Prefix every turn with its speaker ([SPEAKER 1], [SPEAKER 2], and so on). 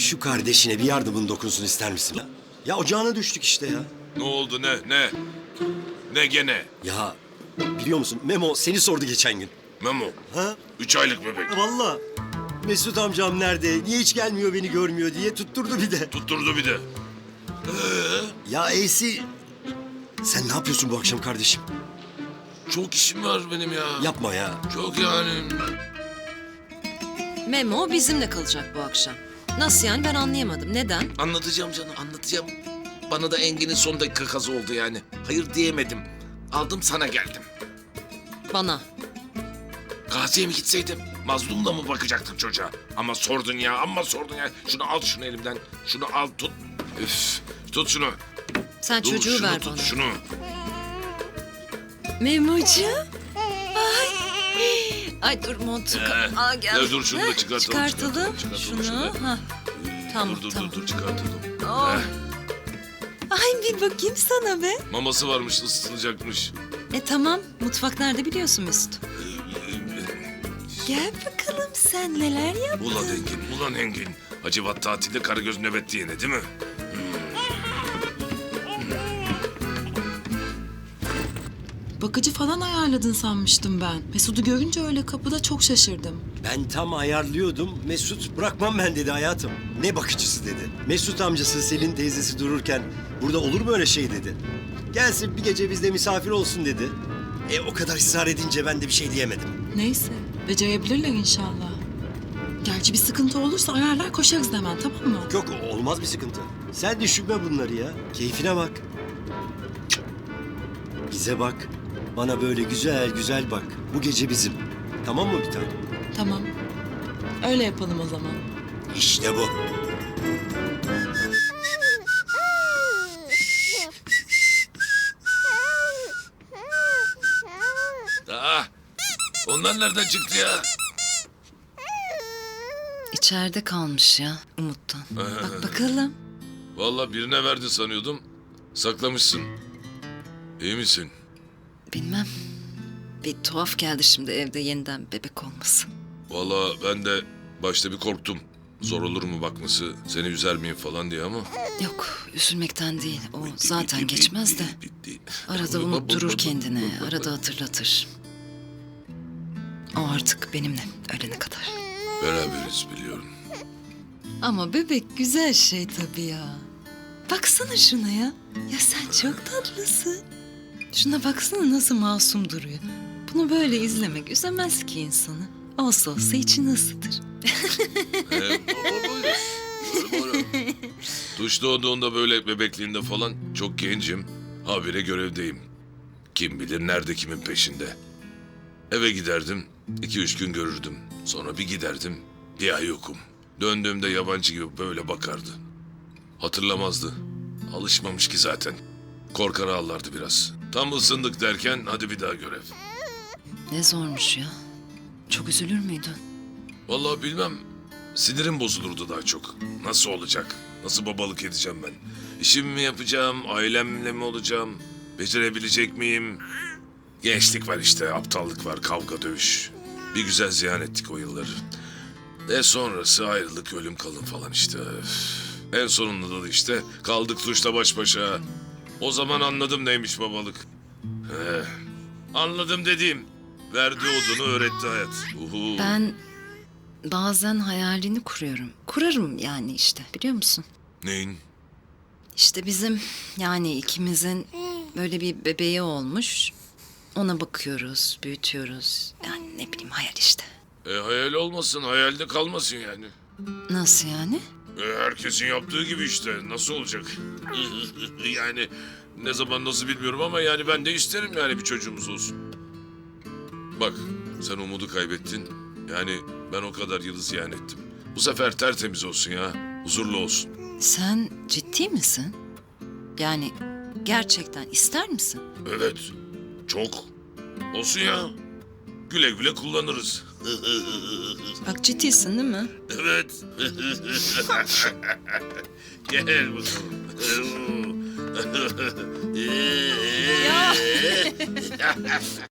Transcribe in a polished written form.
[SPEAKER 1] Şu kardeşine bir yardımın dokunsun ister misin? Ya ocağına düştük işte ya.
[SPEAKER 2] Ne oldu ne? Ne gene?
[SPEAKER 1] Ya biliyor musun Memo seni sordu geçen gün.
[SPEAKER 2] Memo.
[SPEAKER 1] Ha?
[SPEAKER 2] 3 aylık bebek.
[SPEAKER 1] Vallahi Mesut amcam nerede? Niye hiç gelmiyor beni görmüyor diye tutturdu bir de.
[SPEAKER 2] Tutturdu bir de.
[SPEAKER 1] Ya Eysi sen ne yapıyorsun bu akşam kardeşim?
[SPEAKER 2] Çok işim var benim ya.
[SPEAKER 1] Yapma ya.
[SPEAKER 2] Çok yani.
[SPEAKER 3] Memo bizimle kalacak bu akşam. Nasıl yani ben anlayamadım. Neden?
[SPEAKER 4] Anlatacağım canım, anlatacağım. Bana da Engin'in son dakika kazı oldu yani. Hayır diyemedim. Aldım sana geldim.
[SPEAKER 3] Bana.
[SPEAKER 4] Gazi'ye mi gitseydim?
[SPEAKER 2] Mazlumla mı bakacaktın çocuğa? Ama sordun ya. Şunu al şunu elimden. Şunu al tut. Üf. Tut şunu.
[SPEAKER 3] Sen
[SPEAKER 2] Dur,
[SPEAKER 3] çocuğu
[SPEAKER 2] şunu
[SPEAKER 3] ver
[SPEAKER 2] tut,
[SPEAKER 3] bana.
[SPEAKER 2] şunu.
[SPEAKER 3] Memo'cuğum. Ay dur montu. Aa, gel.
[SPEAKER 2] Ya dur şunu da çıkartalım.
[SPEAKER 3] Çıkartalım.
[SPEAKER 2] Çıkartalım
[SPEAKER 3] Şunu. Ha. Tamam, tamam.
[SPEAKER 2] Dur çıkartalım.
[SPEAKER 3] Oh.
[SPEAKER 2] Heh,
[SPEAKER 3] Ay bir bakayım sana be.
[SPEAKER 2] maması varmış ısıtılacakmış.
[SPEAKER 3] Tamam. Mutfak nerede biliyorsun Mesut. Gel bakalım sen neler yaptın.
[SPEAKER 2] Ulan Engin. Hacivat tatilde Karagöz nöbetti yine değil mi?
[SPEAKER 5] Bakıcı falan ayarladın sanmıştım ben. Mesut'u görünce öyle kapıda çok şaşırdım.
[SPEAKER 1] Ben tam ayarlıyordum. Mesut bırakmam ben dedi hayatım. Ne bakıcısı dedi. Mesut amcası Selin teyzesi dururken burada olur mu öyle şey dedi. Gelsin bir gece bizde misafir olsun dedi. O kadar ısrar edince ben de bir şey diyemedim.
[SPEAKER 5] Neyse, becerebilirler inşallah. Gerçi bir sıkıntı olursa ayarlar koşarız hemen, tamam mı?
[SPEAKER 1] Yok olmaz bir sıkıntı. Sen düşünme bunları ya. Keyfine bak. Bize bak. Bana böyle güzel güzel bak. Bu gece bizim. Tamam mı bir tane?
[SPEAKER 5] Tamam. Öyle yapalım o zaman.
[SPEAKER 1] İşte bu.
[SPEAKER 2] Aa, onlar nereden çıktı ya?
[SPEAKER 3] İçeride kalmış ya Umut'tan. Bak bakalım.
[SPEAKER 2] Vallahi birine verdi sanıyordum. Saklamışsın. İyi misin?
[SPEAKER 3] Bilmem. Bir tuhaf geldi şimdi evde yeniden bebek olması.
[SPEAKER 2] Vallahi ben de başta bir korktum. Zor olur mu bakması, seni üzer miyim falan diye ama...
[SPEAKER 3] Yok üzülmekten değil. O zaten geçmez de. Arada unutturur kendini. Arada hatırlatır. O artık benimle ölene kadar.
[SPEAKER 2] Beraberiz biliyorum.
[SPEAKER 3] Ama bebek güzel şey tabii ya. Baksana şuna ya. Ya sen çok tatlısın. Şuna baksana nasıl masum duruyor. Bunu böyle izlemek üzemez ki insanı. Olsa olsa içini ısıtır.
[SPEAKER 2] Böyle. Tuş doğduğunda böyle bebekliğinde falan çok gencim. Habire görevdeyim. Kim bilir nerede kimin peşinde. Eve giderdim, 2-3 gün görürdüm. Sonra bir giderdim, bir ay yokum. Döndüğümde yabancı gibi böyle bakardı. Hatırlamazdı. Alışmamış ki zaten. Korkar ağlardı biraz. Tam ısındık derken hadi bir daha görev.
[SPEAKER 3] Ne zormuş ya. Çok üzülür müydün?
[SPEAKER 2] Vallahi bilmem. Sinirim bozulurdu daha çok. Nasıl olacak? Nasıl babalık edeceğim ben? İşimi mi yapacağım? Ailemle mi olacağım? Becerebilecek miyim? Gençlik var işte, aptallık var, kavga dövüş. Bir güzel ziyan ettik o yılları. Sonrası ayrılık, ölüm kalım falan işte. Üf. En sonunda da işte kaldık Tuş'la baş başa. O zaman anladım neymiş babalık. Anladım dediğim. Verdiği odunu öğretti hayat. Uhu.
[SPEAKER 3] Ben bazen hayalini kuruyorum. Kurarım yani işte biliyor musun?
[SPEAKER 2] Neyin?
[SPEAKER 3] İşte bizim yani ikimizin böyle bir bebeği olmuş. Ona bakıyoruz, büyütüyoruz. Yani ne bileyim hayal işte.
[SPEAKER 2] Hayal olmasın, hayalde kalmasın yani.
[SPEAKER 3] Nasıl yani?
[SPEAKER 2] Herkesin yaptığı gibi işte. Nasıl olacak? Yani ne zaman nasıl bilmiyorum ama yani ben de isterim yani bir çocuğumuz olsun. Bak sen umudu kaybettin. Yani ben o kadar yılı ziyan ettim. Bu sefer tertemiz olsun ya. Huzurlu olsun.
[SPEAKER 3] Sen ciddi misin? Yani gerçekten ister misin?
[SPEAKER 2] Evet. Çok. Olsun ya. Güle güle kullanırız.
[SPEAKER 3] Bak ciddisin değil mi?
[SPEAKER 2] Evet. Gel bakalım.